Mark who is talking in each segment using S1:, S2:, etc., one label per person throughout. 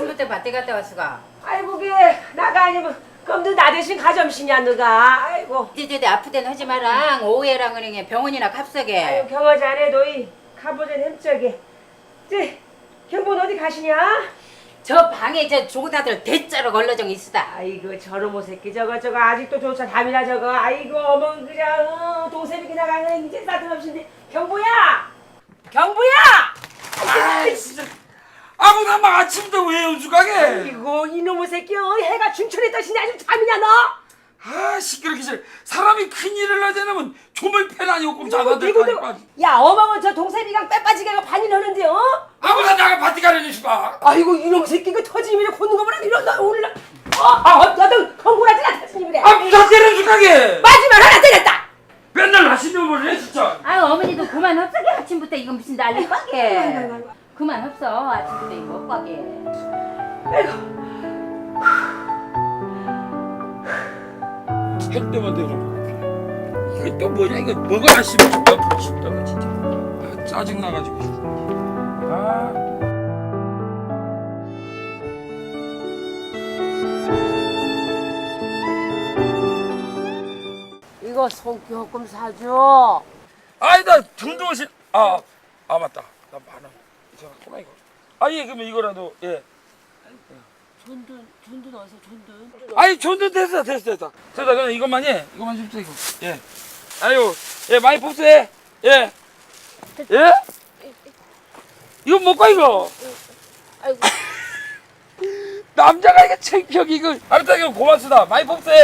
S1: 아침부터 밭에 갔다 왔어가.
S2: 아이고 게 나가 아니면 그럼 너 나 대신 가점시냐 너가. 아이고.
S1: 띠띠 아프대는 하지 마랑 오해랑 그냥 병원이나 갑서게.
S2: 아유 경화지 안 해도 이 가보전 햄쩍이. 쟤 경본 어디 가시냐?
S1: 저 방에 저 조그다들 대자로 걸러정 있으다.
S2: 아이고 저놈의 새끼 저거 아직도 조차 담이나 저거. 아이고 어머 그냥 동생이 그냥 가는 이제 싸트없인데 경보야. 경보야.
S3: 아 진짜 아무나 막 아침부터 왜 연주가게?
S2: 아이고 이놈의 새끼 해가 중천에 떠시니 아주 잠이냐 너?
S3: 아 시끄럽게 잘 사람이 큰일을 하자면 조물 패나니 오금 자다 될거니까.
S2: 야 어머머 저 동생이랑 빼빠지게 반일 하는데 어?
S3: 아무나 나가 밭에 가려니 싶어.
S2: 아이고 이놈 새끼 그 터지면 걷는 거 보라 이런 너 오늘 너도 경고라지 나 터지면
S3: 아 무사 때려 주가게.
S2: 마지막 하나 때렸다.
S3: 맨날 나시는 걸 해 진짜.
S1: 아유 어머니도 그만 흡사게 아침부터 이거 무슨 난리 빡게. 그만 흡서 아침부터 이거 빡게.
S2: 아이고
S3: 할 때만 되죠. 이거 또 뭐냐 이거 뭐가 씹어 죽다 싶다가 진짜. 아, 짜증 나가지고. 아.
S2: 이거 손교금 사줘.
S3: 아이 나 등도실 아 맞다. 나 만원 이상하구나 이거. 아예 그러면 이거라도 예.
S2: 존든 어서 존든.
S3: 아이 존든 됐어 그냥 이것만 해 이것만 줍세 이거 예 아유 예 많이 복수해 예 이거 못가 이거
S2: 아이고.
S3: 남자가 이거 창피하게 이거 알았다 이거 고맙습니다 많이 복수해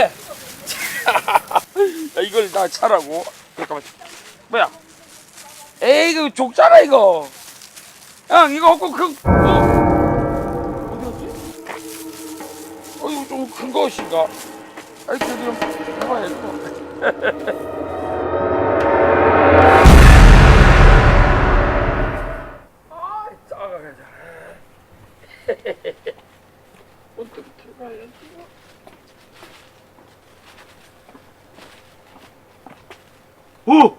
S3: 야, 이걸 다 차라고 잠깐만 뭐야 에이 이거 족잖아 이거 형 이거 없고 이거 좀 큰 것인가? 아이 좀 해봐야지. 아, 작아가자. 어떻게 해봐야지. 오!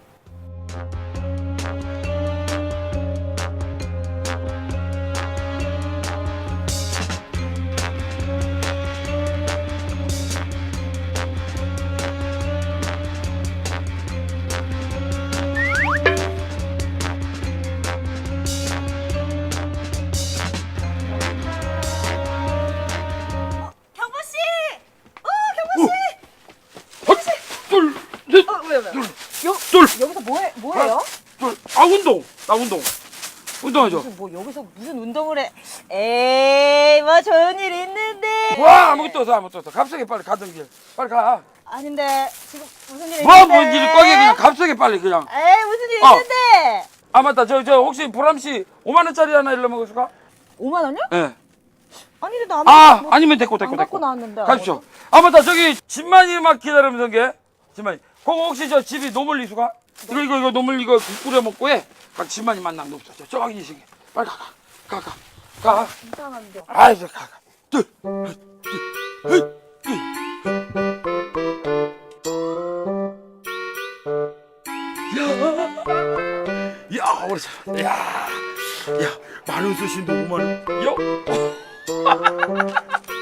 S3: 둘, 셋, 둘,
S2: 여기서 뭐해요?
S3: 둘. 나 운동하죠.
S2: 무슨 운동을 해? 에이 뭐 좋은 일 있는데.
S3: 와 아무것도 없어. 갑자기 빨리 가던 길. 빨리 가.
S2: 아닌데 지금 무슨 일
S3: 뭐
S2: 있는데?
S3: 뭔 일이 꺼게 그냥 갑자기 빨리 그냥.
S2: 에이 무슨 일
S3: 어.
S2: 있는데?
S3: 아 맞다. 저 혹시 보람 씨 5만 원짜리 하나 일러 먹을까?
S2: 5만 원이요?
S3: 예.
S2: 아니 나
S3: 아니면 됐고.
S2: 안 갖고 나왔는데.
S3: 가십시오. 아 맞다. 저기 집만이 막 기다리면서 게. 집만이. 그거 혹시 저 집이 노물 이수가? 이거 노물 이거 국 끓여 먹고 해. 각 집만이 만나면 없어. 저기 시기. 빨리 가.
S2: 이상한데.
S3: 아이 저 가. 둘. 야, 우리 참. 야, 만원 쓰신다 5만 원. 요.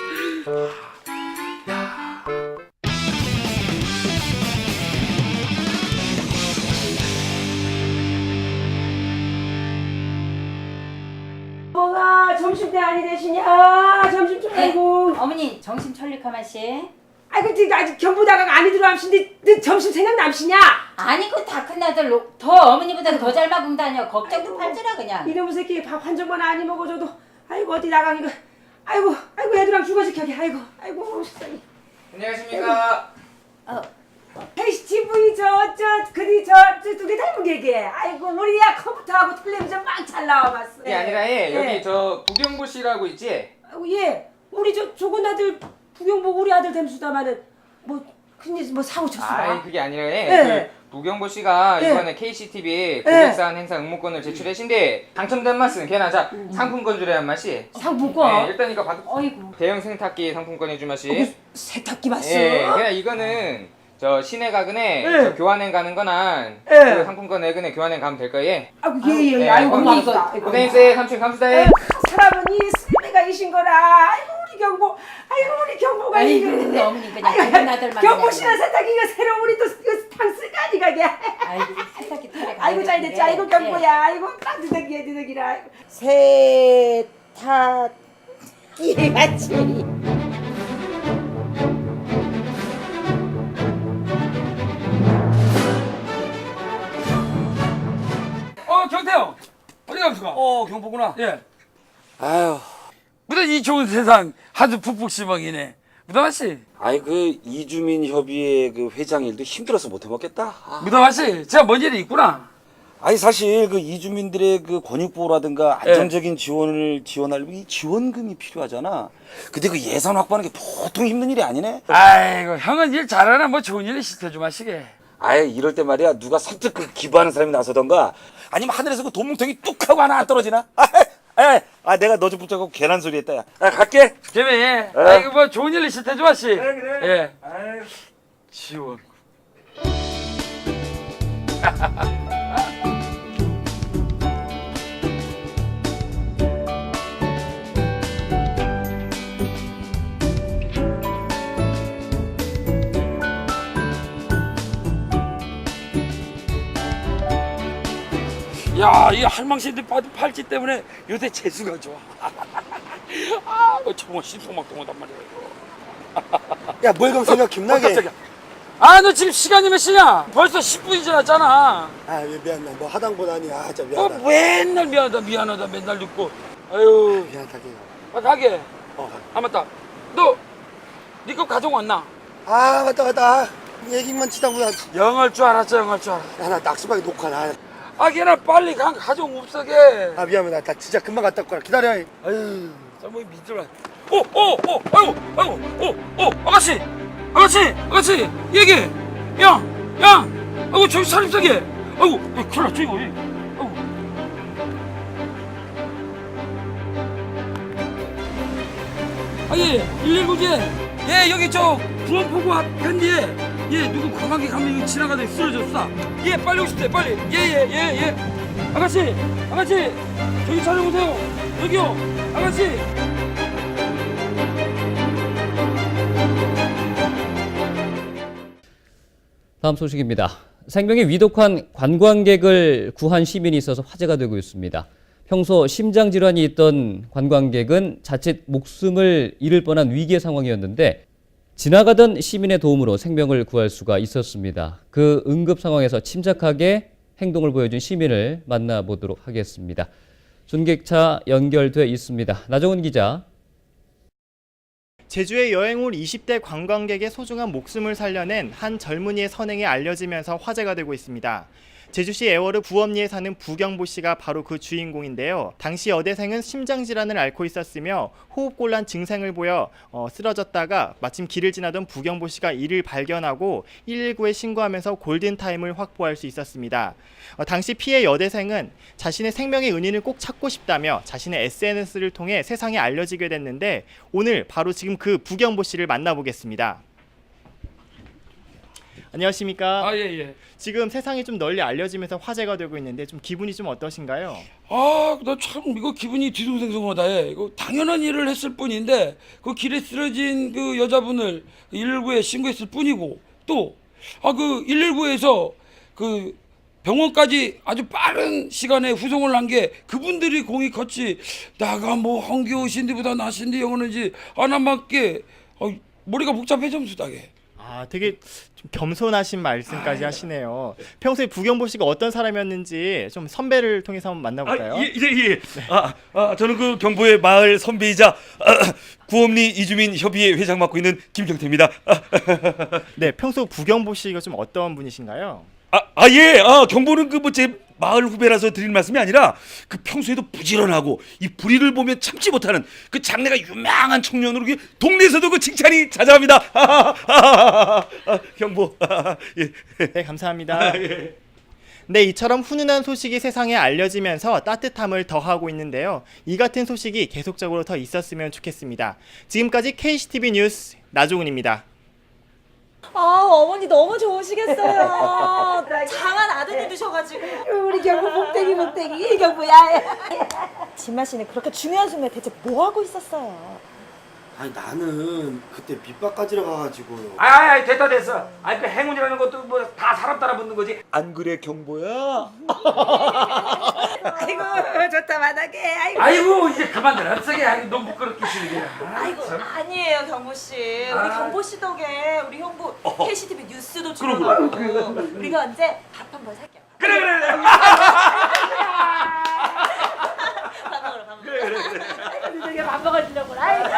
S2: 뭐가 점심 때 아니 되시냐? 점심 좀 아이고.
S1: 어머니 정신 철릭하만 씨.
S2: 아이고 지금 아직 경보다가 안이 들어암신데 너 점심 생각 남시냐?
S1: 아니 그 다 큰 아들 더 어머니보다 더 잘 먹으면 다녀. 걱정도 팔지라 그냥.
S2: 이놈의 새끼 밥 한 점만 안 먹어줘도 아이고 어디 나가니까 아이고 애들랑 죽어지켜게 아이고 세상에.
S4: 안녕하십니까.
S2: TV 두개 닮은 게게 아이고 우리야 컴퓨터하고 텔레비전 막 잘 나와봤어.
S4: 그게 아니라 여기 저 부경보 씨라고 있지?
S2: 아이고 우리 조건 아들 부경 보고 우리 아들 됨수다마는 뭐 큰일 뭐 사고 쳤어.
S4: 아이 그게 아니라
S2: 예.
S4: 그 부경보 씨가
S2: 예.
S4: 이번에 KCTV 고객사항 행사 응모권을 제출하신데 당첨된 맛은 걔나 자 상품권 주례한 맛이.
S2: 상품권.
S4: 일단 이거 받.
S1: 어이구.
S4: 대형 세탁기 상품권 해준 맛이.
S2: 세탁기 봤어.
S4: 그냥 이거는 저 시내 가근에
S2: 예.
S4: 저 교환행 가는 거나
S2: 예.
S4: 그 상품권 내근에 교환행 가면 될 거예요.
S2: 아이고
S4: 네,
S2: 아이고
S4: 어머니
S2: 고맙다.
S4: 고생했어요. 삼촌 감사해.
S2: 사람은 이 삶의 건강이신 거라. 아이고 우리 경보, 아이고 우리 경보가
S1: 아이고,
S2: 이거.
S1: 우리 어머니 그냥 기분 나들만
S2: 경보
S1: 그냥.
S2: 씨는 세탁기 이거 새로 우리 또탕 쓸까지 가게.
S1: 아이고 세탁기 털에
S2: 아이고 잘 됐지. 아이고
S1: 네.
S2: 경보야. 아이고 따뜻하게 드덕이라. 세탁기 같이.
S3: 경태형 어디 감수가?
S5: 경보구나.
S3: 예.
S5: 아유,
S3: 무슨 이 좋은 세상 하도 푹푹 시방이네. 무담아 씨,
S5: 아이 그 이주민 협의회 그 회장 일도 힘들어서 못 해먹겠다.
S3: 무담아 씨, 제가 뭔 일이 있구나.
S5: 아니 사실 그 이주민들의 그 권익보호라든가 안정적인 지원을 지원할 이 지원금이 필요하잖아. 근데 그 예산 확보하는 게 보통 힘든 일이 아니네.
S3: 아이고 형은 일 잘하나 뭐 좋은 일 시켜줘 마시게.
S5: 아이 이럴 때 말이야 누가 선뜻 그 기부하는 사람이 나서던가 아니면 하늘에서 그 돈뭉텅이 뚝 하고 하나 안 떨어지나? 내가 너 좀 붙잡고 괜한 소리 했다 야. 갈게.
S3: 걔네 아이고 뭐 좋은 일 시켜줘 마시.
S5: 그래.
S3: 예.
S5: 아유.
S3: 지원. 야, 이 할망신들 팔찌 때문에 요새 재수가 좋아. 뭐 정말 신속막동하단 말이야 이거.
S6: 야, 뭘 그럼 생각 김나게.
S3: 깜짝이야. 너 지금 시간이 몇 시냐? 벌써 10분이 지났잖아.
S6: 아, 미안해. 뭐 하당 보다니. 아, 진짜
S3: 뭐
S6: 미안하다.
S3: 맨날 미안하다 맨날 듣고. 아유.
S6: 미안하다.
S3: 가게. 맞다. 네 거 가져왔나?
S6: 아, 맞다. 얘기만 치다 보다.
S3: 영할 줄 알았어.
S6: 야, 나 낙수방에 녹화나.
S3: 걔나 빨리 가져온 없어게.
S6: 아, 미안해. 나 진짜 금방 갔다 올 거야. 기다려. 아유.
S3: 뭐 믿으라. 아가씨, 얘기. 야, 아이고 저기 사립사게. 아이고, 큰일 났죠 이거. 아이고. 예, 119제. 예, 여기 저 구원포구 앞편뒤에 누구 관광객 한 명이 지나가다 쓰러졌어. 예, 빨리 오십시오, 빨리. 예. 아가씨, 저기 찾아보세요. 여기요, 아가씨.
S7: 다음 소식입니다. 생명이 위독한 관광객을 구한 시민이 있어서 화제가 되고 있습니다. 평소 심장질환이 있던 관광객은 자칫 목숨을 잃을 뻔한 위기의 상황이었는데 지나가던 시민의 도움으로 생명을 구할 수가 있었습니다. 그 응급 상황에서 침착하게 행동을 보여준 시민을 만나보도록 하겠습니다. 중계차 연결돼 있습니다. 나정훈 기자.
S8: 제주에 여행 온 20대 관광객의 소중한 목숨을 살려낸 한 젊은이의 선행이 알려지면서 화제가 되고 있습니다. 제주시 애월읍 구엄리에 사는 부경보 씨가 바로 그 주인공인데요. 당시 여대생은 심장질환을 앓고 있었으며 호흡곤란 증상을 보여 쓰러졌다가 마침 길을 지나던 부경보 씨가 이를 발견하고 119에 신고하면서 골든타임을 확보할 수 있었습니다. 당시 피해 여대생은 자신의 생명의 은인을 꼭 찾고 싶다며 자신의 SNS를 통해 세상에 알려지게 됐는데 오늘 바로 지금 그 부경보 씨를 만나보겠습니다. 안녕하십니까?
S3: 예.
S8: 지금 세상에 좀 널리 알려지면서 화제가 되고 있는데 좀 기분이 좀 어떠신가요?
S3: 나 참 이거 기분이 뒤숭생숭하다 해. 이거 당연한 일을 했을 뿐인데 그 길에 쓰러진 그 여자분을 119에 신고했을 뿐이고 또 그 119에서 그 병원까지 아주 빠른 시간에 후송을 한 게 그분들이 공이 컸지 나가 뭐 황교신디보다 나신디 영어는지 하나밖에 머리가 복잡해졌다게.
S8: 되게 좀 겸손하신 말씀까지 하시네요. 평소에 부경보 씨가 어떤 사람이었는지 좀 선배를 통해서 한번 만나볼까요?
S9: 예. 저는 그 경보의 마을 선배이자 구엄리 이주민 협의회 회장 맡고 있는 김경태입니다.
S8: 네, 평소 부경보 씨가 좀 어떤 분이신가요?
S9: 경보는 그 뭐 제 마을 후배라서 드릴 말씀이 아니라 그 평소에도 부지런하고 이 불의를 보면 참지 못하는 그 장래가 유명한 청년으로 동네에서도 그 칭찬이 자자합니다. 경보. 예.
S8: 네, 감사합니다. 네, 이처럼 훈훈한 소식이 세상에 알려지면서 따뜻함을 더하고 있는데요. 이 같은 소식이 계속적으로 더 있었으면 좋겠습니다. 지금까지 KCTV 뉴스 나종훈입니다.
S2: 어머니 너무 좋으시겠어요. 장한 아드님 두셔가지고. 우리 경부 복댕이 경부야. 진마 씨는 그렇게 중요한 순간에 대체 뭐 하고 있었어요?
S6: 아니 나는 그때 밑바까지러 가가지고요.
S3: 아이 됐어. 아니 그 행운이라는 것도 뭐 다 사람 따라 붙는 거지.
S5: 안 그래 경보야?
S2: 아이고 좋다 만하게.
S3: 아이고 이제 그만들 합석해. 아이고 너무 부끄럽게 시리게.
S2: 아이고 아니에요 경보 씨. 우리 경보 씨 덕에 우리 형부 KCTV 뉴스도 출연하고 우리가 언제 밥 한번 살게요.
S3: 그래.
S2: 밥 먹으러. 그래. 밥 먹어주려고. 아이고.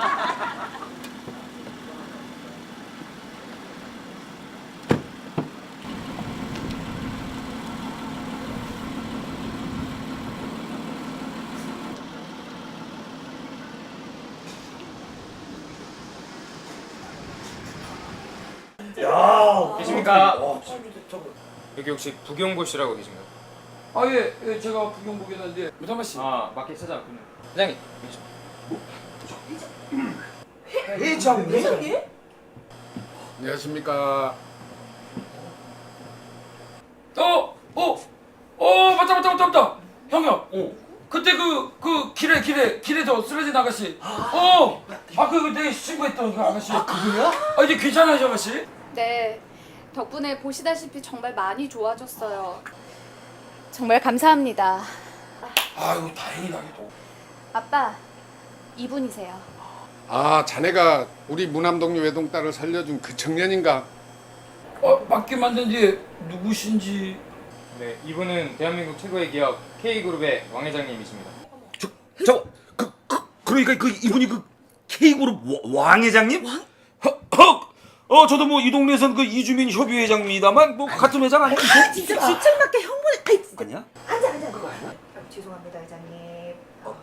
S4: 계십니까? 여기 혹시 부경보 씨라고 계신가요?
S3: 아예 제가 부경보겠는데 무담아 씨.
S4: 마켓 찾아왔군요. 회장님.
S3: 회장님?
S10: 안녕하십니까.
S3: 맞다. 형님. 그때 그 길에서 쓰러진 아가씨. 그거 되게 신고했던 그 아가씨. 그거야? 이제 괜찮아요, 아가씨?
S11: 네, 덕분에 보시다시피 정말 많이 좋아졌어요. 정말 감사합니다.
S3: 아유, 다행이다.
S11: 아빠, 이분이세요.
S10: 아, 자네가 우리 무남동료 외동딸을 살려준 그 청년인가?
S3: 맞게 만든 지 누구신지.
S4: 네, 이분은 대한민국 최고의 기업 K그룹의 왕 회장님이십니다.
S9: 그러니까 이분이 그 K그룹 왕 회장님? 저도 뭐 이 동네에선 그 이주민 협의회장입니다만 뭐 같은 회장 아니야?
S2: 진짜 주책맞게 형부는.
S9: 아니야?
S2: 앉아. 죄송합니다 회장님.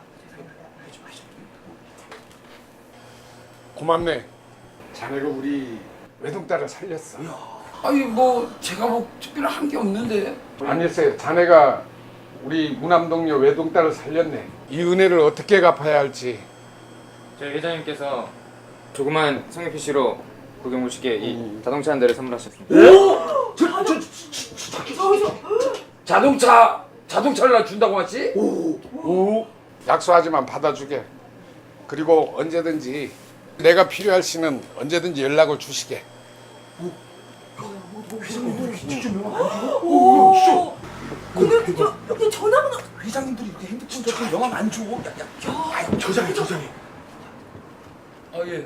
S10: 고맙네. 자네가 우리 외동딸을 살렸어.
S3: 아니 뭐 제가 뭐 특별히 한 게 없는데.
S10: 아니었어요. 자네가 우리 무남동료 외동딸을 살렸네. 이 은혜를 어떻게 갚아야 할지.
S4: 저희 회장님께서 조그만 성의 표시로 부경보 씨께 이 자동차 한 대를 선물하셨습니다.
S3: 자동차를 나 준다고 하지?
S10: 약속하지만 받아주게. 그리고 언제든지 내가 필요할 시는 언제든지 연락을 주시게.
S2: 여기 전화번호.
S9: 회장님들이 이렇게 핸드폰 저렇게 영화 안 줘. 저장해.
S3: 예.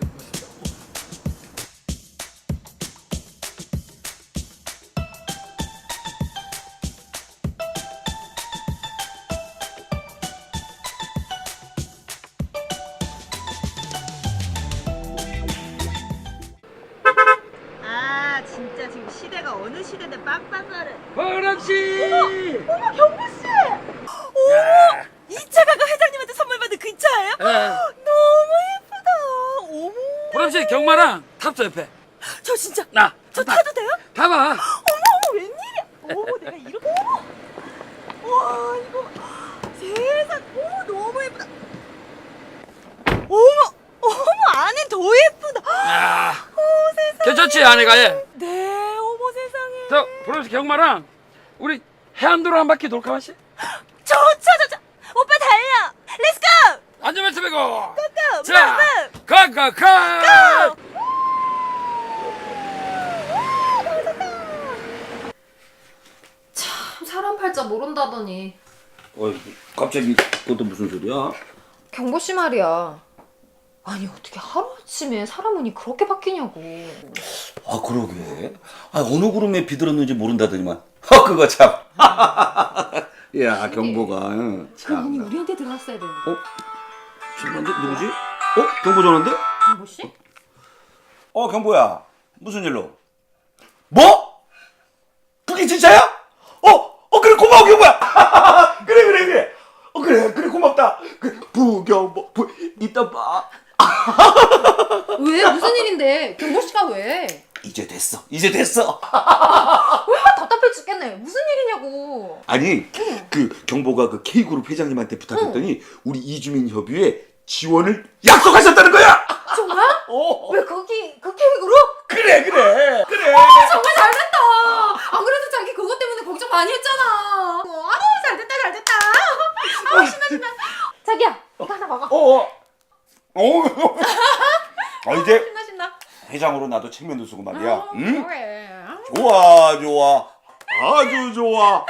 S2: 진짜 지금 시대가 어느 시대인데 빡빡거려.
S3: 보람 씨.
S2: 어머 경부 씨. 어머 이 차가 그 회장님한테 선물 받은 그 차예요? 너무 예쁘다. 어머.
S3: 보람 씨 경마랑 탑자 옆에.
S2: 저 진짜.
S3: 나.
S2: 저 타도 돼요?
S3: 타봐.
S2: 어머 웬일이야. 어머 내가 이렇게. 와 이거 세상. 어머 너무 예쁘다. 어머 안에 더 예쁘다. 세상에.
S3: 괜찮지 아내가 얘.
S2: 네 어머 세상에.
S3: 저 보람 씨 경마랑 우리 해안도로 한 바퀴 돌까 마시?
S2: 좋자. 오빠 달려. 렛츠고.
S3: 안전벨트 매고.
S2: 고고.
S3: 자, 가.
S11: 참, 사람 팔자 모른다더니.
S5: 갑자기 그것도 무슨 소리야?
S11: 경보 씨 말이야. 아니, 어떻게 하루아침에 사람 운이 그렇게 바뀌냐고.
S5: 그러게. 어느 구름에 비들었는지 모른다더니만. 그거 참. 야, 경보가.
S11: 그 운이 우리한테 들어왔어야 되는데.
S5: 전화인데 누구지? 경보 전화인데?
S11: 경보 씨?
S5: 경보야. 무슨 일로? 뭐? 그게 진짜야? 그래 고마워 경보야. 그래. 그래 고맙다. 부경보 이따 봐.
S11: 왜? 무슨 일인데? 경보 씨가 왜?
S5: 이제 됐어.
S11: 얼마나 답답해 죽겠네. 무슨 일이냐고.
S5: 아니 그 경보가 그 K그룹 회장님한테 부탁했더니 우리 이주민 협의회 지원을 약속하셨다는 거야.
S11: 정말? 왜 거기 그 계획으로?
S5: 그래.
S9: 그래.
S11: 정말 잘됐다. 안 그래도 자기 그것 때문에 걱정 많이 했잖아. 잘됐다. 신나. 자기야, 이거 하나 먹어.
S5: 이제
S11: 신나.
S5: 회장으로 나도 책면도 쓰고 말이야. 응?
S11: 그래.
S5: 좋아. 아주 좋아.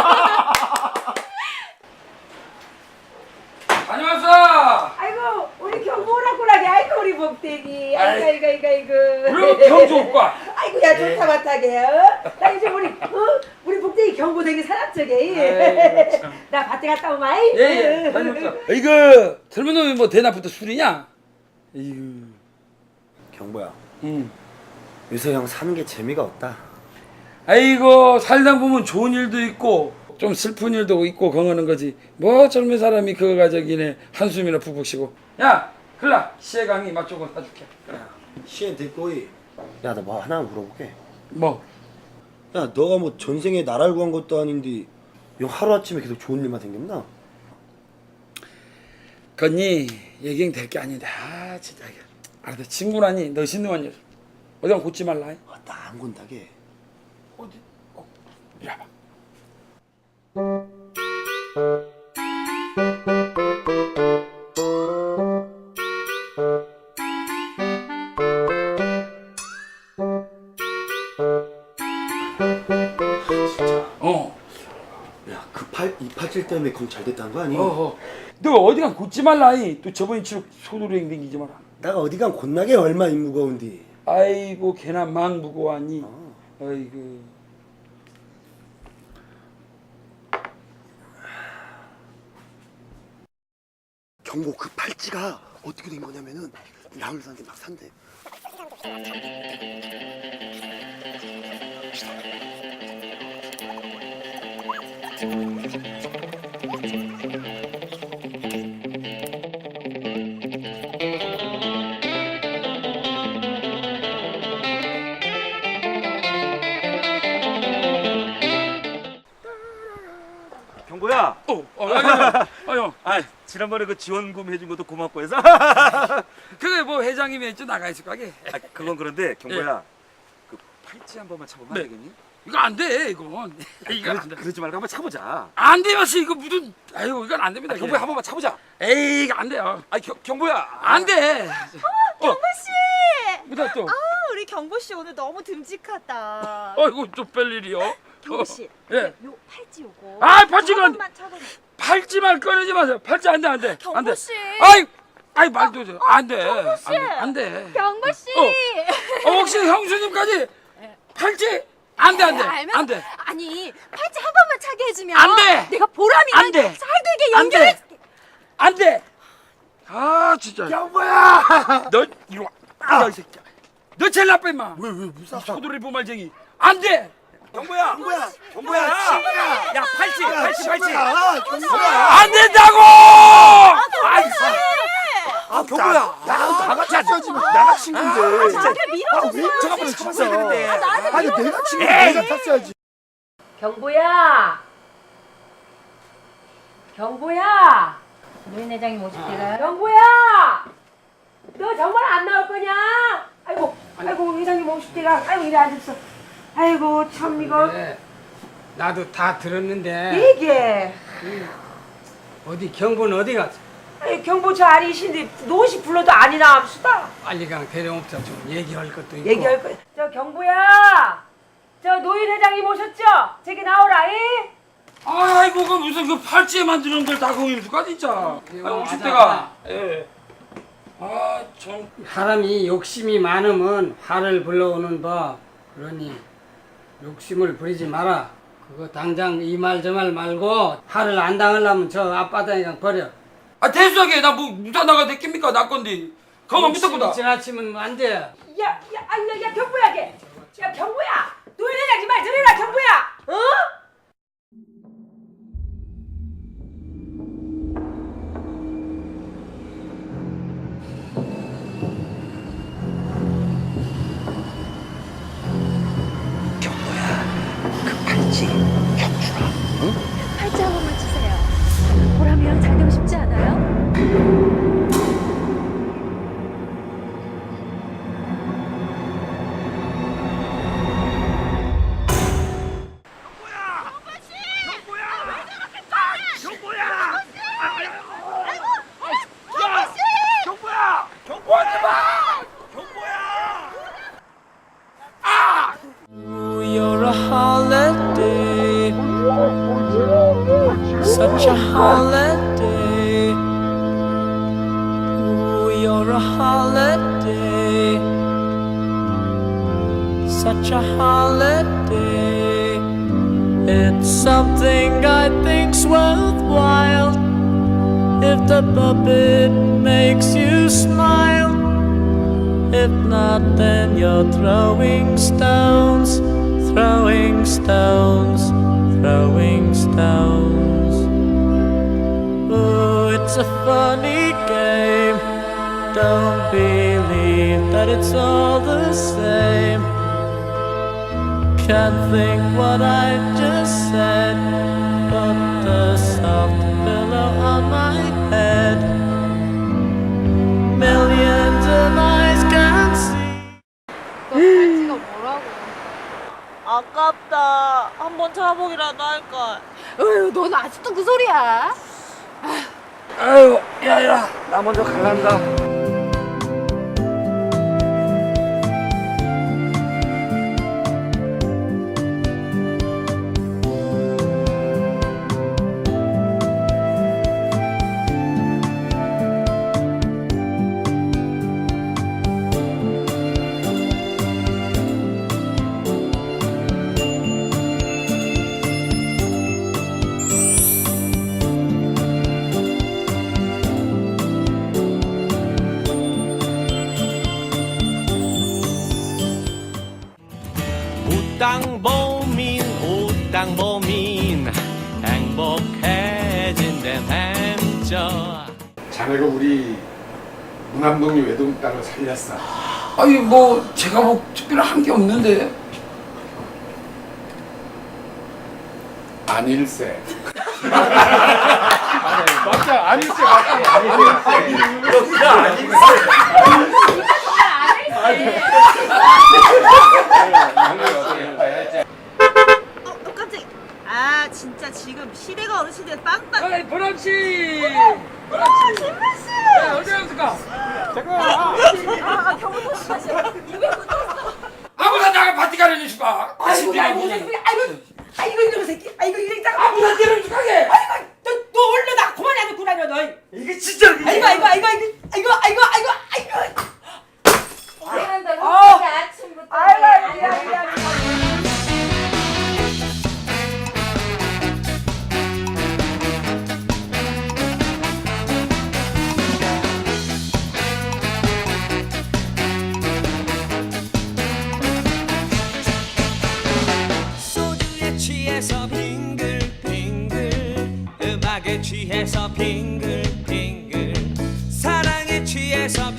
S3: 다녀왔어.
S2: 아이고 우리 경보라꾸라게 아이고 우리 복대기 아이고
S3: 그리고 경주 오빠.
S2: 아이고 야 좋다 마타게 나 이제 우리 복대기 경보 되게 사납적에 나 밭에 갔다 오마
S3: 예. 다녀왔어. 이거 젊은 놈이 뭐 대낮부터 술이냐? 이거.
S6: 경보야,
S3: 응.
S6: 요새 형 사는 게 재미가 없다.
S3: 아이고 살다 보면 좋은 일도 있고 좀 슬픈 일도 있고 그러는 거지. 뭐 젊은 사람이 그거 가지기네 한숨이나 푹푹 쉬고. 야, 글라 시애강이 맛 조금 사줄게.
S6: 시엔 됐고이. 야, 나 뭐 하나 물어볼게.
S3: 뭐?
S6: 야, 너가 뭐 전생에 나라를 구한 것도 아닌데 형 하루아침에 계속 좋은 일만 생겼나?
S3: 건니 얘기는 될 게 아닌데 진짜 이게. 알았다 친구라니 너 신능한 녀석. 어디 가면 곧지 말라.
S6: 나 안 건다게.
S3: 어디? 이리 와봐.
S6: 야, 이 팔질 때문에 그럼 잘 됐다는 거 아니?
S3: 너 어디 가면 곧지 말라. 또 저번 주로 소도행 댕기지 마라.
S6: 내가 어디 간 곧나게 얼마 임 무거운디.
S3: 아이고 걔나 막 무거워하니. 아이고.
S6: 경보 그 팔찌가 어떻게 된 거냐면은 약을 사는데 막 산대.
S9: 경보야.
S3: 아유.
S9: 지난번에 그 지원금 해준 것도 고맙고 해서.
S3: 그게 뭐 회장님이 좀 나가 있을 거게.
S9: 그건 그런데 경보야. 그 팔찌 한 번만 차보면 안 되겠니?
S3: 이거 안 돼, 이건. 이거 안 돼.
S9: 그러지 말고 한번 차보자.
S3: 안 돼요, 씨. 이거 무슨. 아유, 이건 안 됩니다.
S9: 경보야 한 번만 차보자.
S3: 에이, 이거 안 돼요.
S9: 경보야.
S3: 안 돼.
S2: 경보씨
S3: 뭐다 또.
S2: 우리 경보씨 오늘 너무 듬직하다
S3: 아이고, 좀 뺄 일이요.
S2: 경보씨
S3: 예.
S2: 요 팔찌 요거
S3: 팔찌가 안 돼. 팔찌만 꺼내지 마세요. 팔찌 안 돼, 안 돼. 안 돼.
S2: 경보씨
S3: 아이, 말도 돼. 안 돼.
S2: 경보씨
S3: 안 돼.
S2: 경보씨
S3: 혹시 형수님까지 팔찌? 안 돼, 안 돼. 안 돼.
S2: 아니 팔찌 한 번만 차게 해주면
S3: 안 돼.
S2: 내가 보람이랑
S3: 안 돼.
S2: 살되게
S3: 안 돼.
S2: 연결해
S3: 안 돼. 진짜.
S6: 경보야.
S3: 너 이리 와. 이 새끼야. 너 제일 나빠 임마. 왜 무슨 소돌이 보말쟁이. 안 돼.
S9: 경보야. 야 팔찌.
S6: 경보야.
S3: 안 된다고.
S9: 경보야.
S6: 다 같이 하지. 나가 친구인데.
S2: 나를 밀어줬어
S6: 잠깐만
S9: 잡았어야 되는데.
S6: 아니 내가 친구 내가 탔어야지.
S1: 경보야. 노인 회장님 오실 때가.
S2: 경보야 너 정말 안 나올 거냐 아이고 회장님 오실 때가 아이고 이리 앉았어 아이고 참 이거
S12: 나도 다 들었는데
S2: 이게
S12: 어디 경보는 어디 갔어?
S2: 아니 경보 저 아리신데 노시 불러도 아니나 합시다
S12: 빨리 강 데려옵자 좀 얘기할 것도 있고.
S2: 얘기할 거. 저 경보야 저 노인 회장님 오셨죠? 저기 나오라 이
S3: 아이고 그 무슨 그 팔찌에 만드는 걸 다 거기서 진짜. 오실 때가. 예. 참.
S12: 사람이 욕심이 많으면 화를 불러오는 법. 그러니 욕심을 부리지 마라. 그거 당장 이 말 저 말 말고 화를 안 당하려면 저 앞바다에 그냥 버려.
S3: 대수하게 나 뭐 무사 나가 됐겠습니까? 나 건데. 가만 붙었구나.
S12: 욕심이 지나치면 안 돼.
S2: 야 경보야 걔. 야 경보야 노인 회장님 말 들으라 경보야 어?
S11: 팔찌 한 번만 주세요. 보람이랑 잘 되고 싶지 않아요?
S13: holiday. Ooh, you're a holiday. Such a holiday. It's something I think's worthwhile. If the puppet makes you smile. If not, then you're throwing stones, throwing stones, throwing stones. Oh, it's a funny game. Don't believe that it's all the same. Can't think what I just said. Put the soft pillow on my head. Millions of eyes can see.
S11: 너 갈지가 뭐라고?
S2: 아깝다. 한번 찾아보기라도 할걸.
S11: 어휴, 넌 아직도 그 소리야?
S3: 아유, 야야, 나 먼저 갈란다.
S13: 땅보민 오땅보민 행복해진대 뱀져.
S10: 자네가 우리 무남동네 외동딸을 살렸어.
S3: 아니 뭐 제가 뭐 특별한 게 없는데.
S10: 아닐세. 맞다, 아닐세 맞다.
S2: 깜짝이야. 아 진짜 지금 시대가 어느 시대에 빵빵.
S3: 아이 보람씨.
S2: 김만씨.
S3: 어디 갔을까?
S2: 경호도 씨가시. 입에 붙었어.
S3: 아무나 나가 파티 가려니 줄까?
S2: 아이고 이놈의 새끼. 아이고 이 새끼.
S3: 아무나 때려 줄까게.
S2: 아이고 너 얼른 나 그만해 너 구라냐 너.
S3: 이게 진짜.
S2: 아이고.
S1: 미안한다. ลูก 아침부터.
S2: 아이고 미안.
S13: 소주에 취해서 빙글빙글, 음악에 취해서 빙글빙글, 사랑에 취해서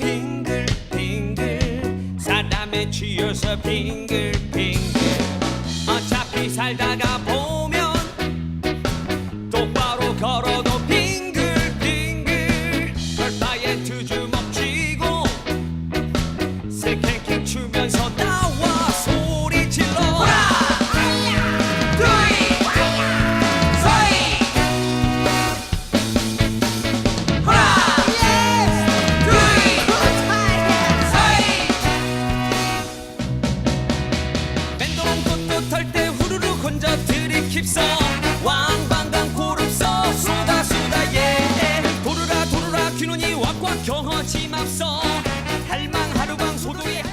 S13: 빙글빙글, 사람에 취해서 빙글빙글. 어차피 살다가 보면 똑바로 걸어도 빙글빙글. 별바에 두 주먹 쥐고 새캔캔 추면서 나와 소리 질러. 털때 후루루 건져 들이킵서 왕방강 고릅서 쏟아 예. 도르라 귀눈이 왁왁 경허짐 앞서 할망 하루방 소동이